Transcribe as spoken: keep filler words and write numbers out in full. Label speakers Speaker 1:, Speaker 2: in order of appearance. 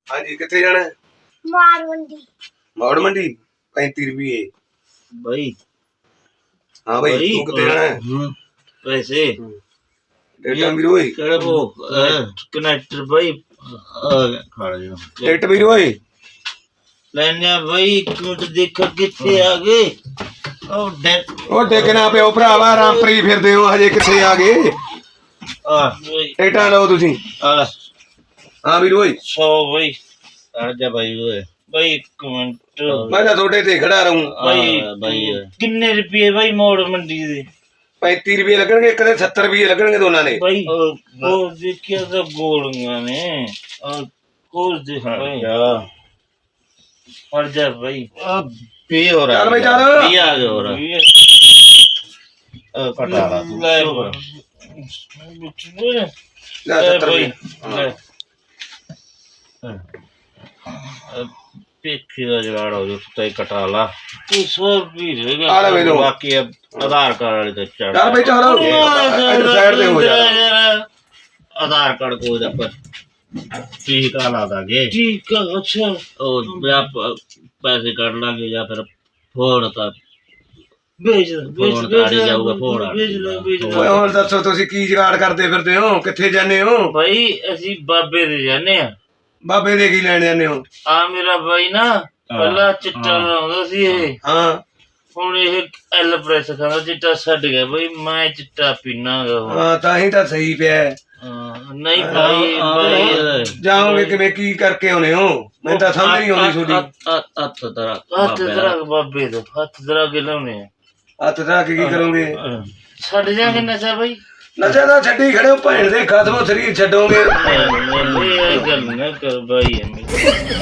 Speaker 1: हाँ जी कितने जाना है?
Speaker 2: मार मंडी
Speaker 1: मौड़ मंडी पैंती रुपये
Speaker 3: भाई
Speaker 1: हाँ भाई तू कितने जाना है?
Speaker 3: पैसे
Speaker 1: डेटा भी रोई
Speaker 3: ਕਿਹੜਾ ਉਹ ਕਨੈਕਟਰ ਭਾਈ ਖੜ ਜਾ
Speaker 1: डेट भी रोई
Speaker 3: ਲੈਣਿਆ ਭਾਈ ਤੂੰ ਤੇ ਦੇਖ ਕਿੱਥੇ ਆ ਗਏ ਉਹ ਡੈਕ
Speaker 1: ਉਹ ਡੇਗਣਾ ਪਿਓ ਭਰਾਵਾ ਰਾਮਪਰੀ ਫਿਰਦੇ ਹੋ ਹਜੇ ਕਿੱਥੇ ਆ ਗਏ
Speaker 3: ਆ
Speaker 1: ਡੇਟਾ ਲਓ ਤੁਸੀਂ
Speaker 3: ਆ
Speaker 1: ਹਾਂ ਵੀ ਰੋਈ
Speaker 3: ਸੌ ਭਾਈ ਆ ਜਾ ਭਾਈ ਓਏ ਭਾਈ ਇੱਕ ਮਿੰਟ
Speaker 1: ਮੈਂ ਤਾਂ ਤੁਹਾਡੇ ਤੇ ਖੜਾ ਰਹੂੰ
Speaker 3: ਭਾਈ ਭਾਈ ਕਿੰਨੇ ਰੁਪਏ ਭਾਈ ਮੋੜ ਮੰਡੀ ਦੇ
Speaker 1: पैंती रुपये लगनगे एक सत्तर रुपये लगनगे दोनों ने
Speaker 3: भाई वो देखिए तो गोलियां ने और कोल दे भाई और जा भाई अब भी हो रहा
Speaker 1: चल भाई चल
Speaker 3: भी आ गया हो रहा अब कटा रहा तू ले
Speaker 1: ला सत्तर
Speaker 3: भाई
Speaker 1: रुपये
Speaker 3: पेखी का जुगाड़ हो जो तय कटा ला तू सौ भी रहेगा
Speaker 1: आ ले भाई लो
Speaker 3: बाकी अब आधार कार्ड वाले तो चढ़
Speaker 1: चल भाई चलो इधर साइड पे हो जा
Speaker 3: आधार कार्ड को इधर पर ठीक आ ला दागे ठीक है अच्छा और आप पैसे काट लागे या फिर फोन था भेज भेज भेज जाऊंगा फोन भेज लो भेज लो
Speaker 1: ਓਏ ਹੁਣ ਦੱਸੋ ਤੁਸੀਂ ਕੀ ਜੁਗਾੜ ਕਰਦੇ ਫਿਰਦੇ ਹੋ ਕਿੱਥੇ ਜਾਂਦੇ ਹੋ
Speaker 3: भाई ਅਸੀਂ ਬਾਬੇ ਦੇ ਜਾਣੇ ਆ
Speaker 1: ਬਾਬੇ ਦੇ ਕੀ ਲੈਣ ਜਾਂਦੇ ਹੋ
Speaker 3: ਆ ਮੇਰਾ ਭਾਈ ਨਾ ਪਹਿਲਾਂ ਚਿੱਟਾ ਲਾਉਂਦਾ ਸੀ ਇਹ
Speaker 1: ਹਾਂ
Speaker 3: ਹੁਣ ਇਹ ਐਲ ਪ੍ਰੈਸ ਖਾਂਦਾ ਚਿੱਟਾ ਛੱਡ ਗਿਆ ਬਈ ਮੈਂ ਚਿੱਟਾ ਪੀਣਾਗਾ
Speaker 1: ਹਾਂ ਤਾਂ ਹੀ ਤਾਂ ਸਹੀ ਪਿਆ ਹੈ।
Speaker 3: ਨਹੀਂ ਭਾਈ ਭਾਈ
Speaker 1: ਜਾਓਗੇ ਕਿਵੇਂ ਕੀ ਕਰਕੇ ਆਉਨੇ ਹੋ ਮੈਨੂੰ ਤਾਂ ਸਮਝ ਨਹੀਂ ਆਉਂਦੀ ਤੁਹਾਡੀ
Speaker 3: ਹੱਥ ਤਰਾ ਹੱਥ ਤਰਾ ਬਾਬੇ ਦੇ ਹੱਥ ਤਰਾ ਕੇ ਲਾਉਣੇ
Speaker 1: ਹੱਥ ਧਰਾ ਕੇ ਕੀ ਕਰੋਗੇ
Speaker 3: ਛੱਡ ਜਾਗੇ ਨਸ਼ਾ ਭਾਈ
Speaker 1: ਨਸ਼ਾ ਤਾਂ ਛੱਡੀ ਖੜੇ ਹੋ ਭੈਣ ਦੇ ਖਤਮੋ ਸਰੀਰ ਛੱਡੋਗੇ
Speaker 3: ਇਹ ਗੱਲ ਨਾ ਕਰ ਭਾਈ